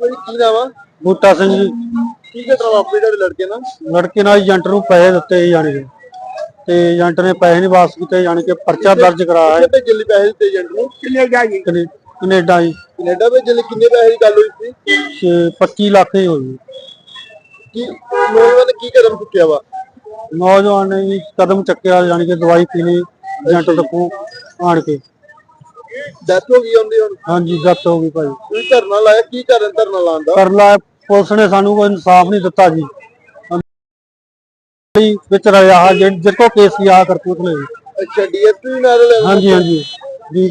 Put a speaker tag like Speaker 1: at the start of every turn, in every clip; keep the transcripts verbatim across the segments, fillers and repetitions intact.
Speaker 1: की नाम है?
Speaker 2: बूटा सिंह जी।
Speaker 1: की घटना वापरी तेरे लड़के ना?
Speaker 2: लड़के नाल एजेंट नूं पैसे दित्ते ही जाने के ते एजेंट ने पैसे नहीं वापस कीते जाने के परचा दर्ज कराया है।
Speaker 1: भेजन लई पैसे दित्ते एजेंट नूं?
Speaker 2: कनेडा जी कनेडा जी
Speaker 1: कनेडा भेजन लई किन्ने पैसे दी गल होई सी?
Speaker 2: पच्चीस लाख ही होई।
Speaker 1: की नौजवान ने की कदम चुक्या वा?
Speaker 2: नौजवान ने जी कदम चक्या जाने के दवाई पीनी एजेंट तकों आण के
Speaker 1: डेथ हो गई उनदी हुण?
Speaker 2: हाँ जी डेथ हो गई भाई।
Speaker 1: कोई धरना लाया की कारण धरना लाण दा?
Speaker 2: कर ला पुलिस ने सानू कोई इंसाफ नहीं दिता जी विच रहा जिसको केस किया करतूतले।
Speaker 1: अच्छा डीएसपी नाल?
Speaker 2: हाँ जी हाँ जी जी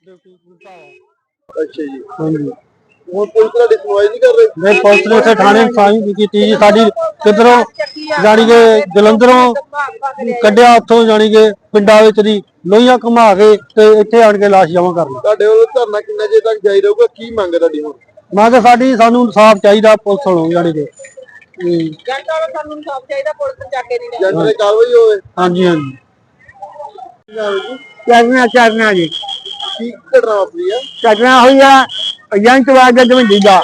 Speaker 1: अच्छा जी
Speaker 2: हाँ जी
Speaker 1: ਹੁਣ ਪੁਲਿਸ ਤੁਹਾਡੀ ਸੁਣਵਾਈ ਨਹੀਂ ਕਰ ਰਹੀ?
Speaker 2: नहीं पुलिस ने इत्थे थाने साई भी की जी साडी किधरों जानी के जलंधरों कड्डिया उत्थों जानी के पिंडां विच दी लोहियां घुमा के ते इत्थे आण के लाश जमा कर ली।
Speaker 1: ਤੁਹਾਡੇ ਵੱਲੋਂ ਧਰਨਾ ਕਿੰਨੇ ਚਿਰ ਤੱਕ ਜਾਰੀ ਰਹੂਗਾ? ਕੀ ਮੰਗ ਹੈ ਤੁਹਾਡੀ ਹੁਣ?
Speaker 2: मैं साडी सानू इंसाफ चाहिए पुलिस वालों जानी के
Speaker 1: ਜੰਟ ਵਾਲਾ ਸਾਨੂੰ ਇਨਸਾਫ ਚਾਹੀਦਾ, ਪੁਲਿਸ ਚੱਕ ਕੇ ਨਹੀਂ ਲੈ ਜਾਂਦੇ। ਜੰਟ ਕਾਰਵਾਈ ਹੋਵੇ।
Speaker 2: हाँ जी हाँ जी
Speaker 3: करना करना जी
Speaker 1: ਕੀ ਘਟਨਾ ਵਾਪਰੀ ਆ?
Speaker 3: करना हुई है एजेंट वाले धवंडी का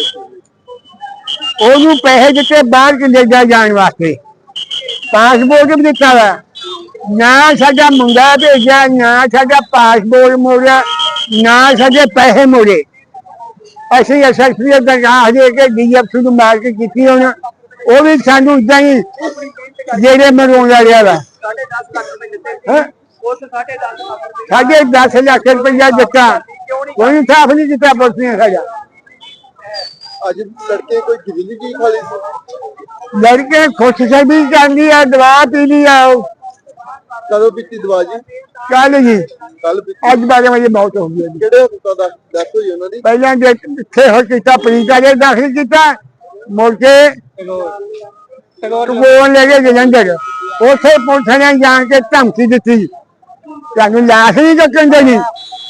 Speaker 3: ओनू पैसे दिते बाहर कनेडा जाने वास्ते पासपोर्ट भी दिता वा ना साडा मुंडा भेजा ना साडा पासपोर्ट मोड़िया ना साडे पैसे मोड़े असं एसएसपी दरगाह दे के डीएफसी को मार के की होना वो भी सानू इदा ही जेड़े मरवाउंदा रहा वा साढ़े दस लाख रुपया दिता कोई इंसाफ नहीं दिता पुलिस ने साडा।
Speaker 1: ਅੱਜ ਲੜਕੇ ਕੋਈ ਗਿੱਲੀ ਕੀ ਖਾ ਲਈ ਸੀ?
Speaker 3: लड़के खुश से भी जानी है दवा पी ली है
Speaker 1: ਕਦੋਂ ਪੀਤੀ ਦਵਾ ਜੀ?
Speaker 3: कल जी
Speaker 1: ਕੱਲ ਪੀਤੀ।
Speaker 3: अज बारह बजे मौत हो गई।
Speaker 1: ਕਿਹੜੇ ਹਸਪਤਾਲ ਦਾ ਡੈਥ ਹੋਈ ਉਹਨਾਂ ਦੀ?
Speaker 3: पहले इतने हो किया परीक्षा के दाखिल किया मुड़ के टगोर ले गए जलंधर उसे पुलिस ने जान के धमकी दी तेन लाश नहीं चकन देनी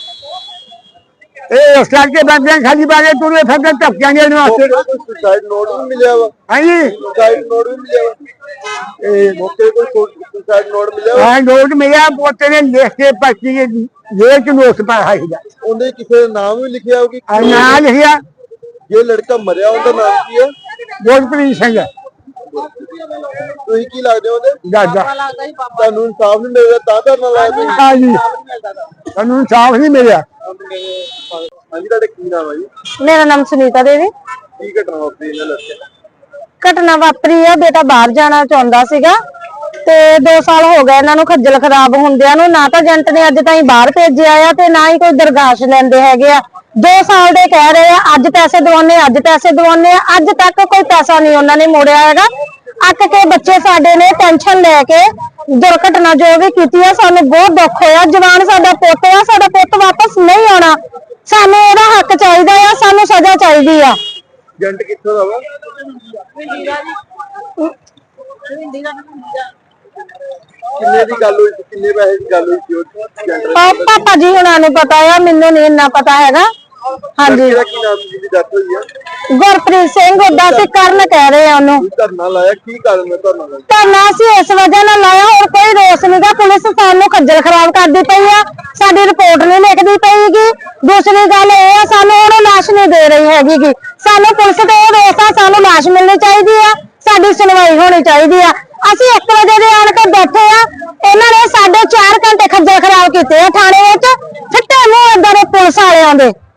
Speaker 3: इस करके बंदे खाली बारे तुरे फिर धमकियां देने वास्ते।
Speaker 1: ਸੁਸਾਈਡ ਨੋਟ ਵੀ ਮਿਲਿਆ ਵਾ?
Speaker 3: हाँ जी
Speaker 1: ਸੁਸਾਈड ਨੋਟ ਵੀ ਮਿਲਿਆ ਵਾ? ਇਹ ਮੌਕੇ ਕੋਈ ਸੁਸਾਈਡ ਨੋਟ ਮਿਲਿਆ ਵਾ?
Speaker 3: हाँ नोट मेरा पोते ने लिख के पर्ची जेल च नोट पाया
Speaker 1: ਉਹਦੇ ਕਿਸੇ ਦਾ ਨਾਮ ਵੀ ਲਿਖਿਆ ਹੋਊ?
Speaker 3: ना लिखिया
Speaker 1: ਜੇ ਲੜਕਾ ਮਰਿਆ ਉਹਦਾ ਨਾਮ ਕੀ ਹੈ?
Speaker 3: गोजप्रीत सिंह
Speaker 1: ਤੁਸੀਂ ਕੀ ਲੱਗਦੇ ਹੋ ਉਹਦੇ?
Speaker 3: दादा
Speaker 1: ਤੁਹਾਨੂੰ ਇਨਸਾਫ ਨਹੀਂ ਮਿਲ ਰਿਹਾ ਤਾਂ ਧਰਨਾ ਲਾਇਆ ਤੁਸੀਂ?
Speaker 3: हाँ जी सनू इंसाफ नहीं मिला।
Speaker 1: ਹਾਂਜੀ ਤੁਹਾਡਾ ਕੀ ਨਾਮ ਹੈ ਜੀ?
Speaker 4: मेरा नाम सुनीता देवी।
Speaker 1: ਕੀ ਘਟਨਾ ਵਾਪਰੀ ਇਹਨਾਂ ਲੜਕੇ ਨਾਲ?
Speaker 4: ਘਟਨਾ ਵਾਪਰੀ ਆ ਬੇਟਾ ਬਾਹਰ ਜਾਣਾ ਚਾਹੁੰਦਾ ਸੀਗਾ ਤੇ ਦੋ ਸਾਲ ਹੋ ਗਏ ਇਹਨਾਂ ਨੂੰ ਖੱਜਲ ਖਰਾਬ ਹੁੰਦਿਆਂ ਨੂੰ। ਨਾ ਤਾਂ ਏਜੰਟ ਨੇ ਅੱਜ ਤਾਈਂ ਬਾਹਰ ਭੇਜਿਆ ਆ ਤੇ ਨਾ ਹੀ ਕੋਈ ਦਰਗਾਸ਼ ਲੈਂਦੇ ਹੈਗੇ ਆ। ਦੋ ਸਾਲ ਦੇ ਕਹਿ ਰਹੇ ਆ ਅੱਜ ਪੈਸੇ ਦਵਾਉਣੇ ਅੱਜ ਪੈਸੇ ਦਵਾਉਣੇ ਆ ਅੱਜ ਤੱਕ ਕੋਈ ਪੈਸਾ ਨਹੀਂ ਉਹਨਾਂ ਨੇ ਮੋੜਿਆ ਹੈਗਾ। ਅੱਕ ਕੇ ਬੱਚੇ ਸਾਡੇ ਨੇ ਟੈਨਸ਼ਨ ਲੈ ਕੇ ਦੁਰਘਟਨਾ ਜੋ ਵੀ ਕੀਤੀ ਆ ਸਾਨੂੰ ਬਹੁਤ ਦੁੱਖ ਹੋਇਆ। ਜਵਾਨ ਸਾਡਾ ਪੁੱਤ ਆ, ਸਾਡਾ ਪੁੱਤ ਵਾਪਸ ਨਹੀਂ ਆਉਣਾ। ਸਾਨੂੰ ਉਹਦਾ ਹੱਕ ਚਾਹੀਦਾ ਆ, ਸਾਨੂੰ ਸਜ਼ਾ ਚਾਹੀਦੀ ਆ।
Speaker 1: ਏਜੰਟ ਕਿੱਥੋਂ ਦਾ ਵਾ? ਕਿੰਨੇ ਦੀ ਗੱਲ ਹੋਈ ਸੀ? ਕਿੰਨੇ ਪੈਸੇ ਦੀ ਗੱਲ ਹੋਈ ਸੀ ਉਹ ਏਜੰਟ
Speaker 4: ਪਾ- ਪਾਪਾ ਜੀ ਹੁਣਾਂ ਨੂੰ ਪਤਾ ਆ, ਮੈਨੂੰ ਨਹੀਂ ਇੰਨਾ ਪਤਾ ਹੈਗਾ। ਹਾਂਜੀ
Speaker 1: ਦਾ ਕੀ ਨਾਮ ਸੀ ਜਿਹਦੀ ਡੈਥ ਹੋਈ ਆ?
Speaker 4: ਗੁਰਪ੍ਰੀਤ ਸਿੰਘ ਉਹਦਾ ਸੀ, ਕਰਨ ਕਹਿ ਰਹੇ ਆ ਉਹਨੂੰ।
Speaker 1: ਤੁਸੀਂ ਧਰਨਾ ਲਾਇਆ ਕੀ ਕਾਰਨ ਹੈ ਧਰਨਾ ਲਾਇਆ?
Speaker 4: ਧਰਨਾ ਅਸੀਂ ਇਸ ਵਜ੍ਹਾ ਨਾਲ ਲਾਇਆ, ਹੋਰ ਕੋਈ ਰੋਸ ਨਹੀਂਗਾ। ਪੁਲਿਸ ਸਾਨੂੰ ਖੱਜਲ ਖਰਾਬ ਕਰਦੀ ਪਈ ਆ, ਸਾਡੀ ਰਿਪੋਰਟ ਨਹੀਂ ਲਿਖਦੀ ਪਈਗੀ। ਦੂਸਰੀ ਗੱਲ ਇਹ ਆ ਸਾਨੂੰ ਉਹਨੂੰ ਲਾਸ਼ ਨਹੀਂ ਦੇ ਰਹੀ ਹੈਗੀ। ਸਾਨੂੰ ਪੁਲਿਸ ਤੇ ਇਹ ਰੋਸ ਆ, ਸਾਨੂੰ ਲਾਸ਼ ਮਿਲਣੀ ਚਾਹੀਦੀ ਆ, ਸਾਡੀ ਸੁਣਵਾਈ ਹੋਣੀ ਚਾਹੀਦੀ ਆ। ਅਸੀਂ ਇੱਕ ਵਜੇ ਦੇ ਆਣ ਕੇ ਬੈਠੇ ਆ, ਇਹਨਾਂ ਨੇ ਸਾਡੇ ਚਾਰ ਘੰਟੇ ਖੱਜਲ ਖਰਾਬ ਕੀਤੇ ਆ ਥਾਣੇ ਵਿੱਚ। ਫਿੱਟੇ ਮੂੰਹ ਏਦਾਂ ਦੇ ਪੁਲਿਸ ਵਾਲਿਆਂ ਦੇ।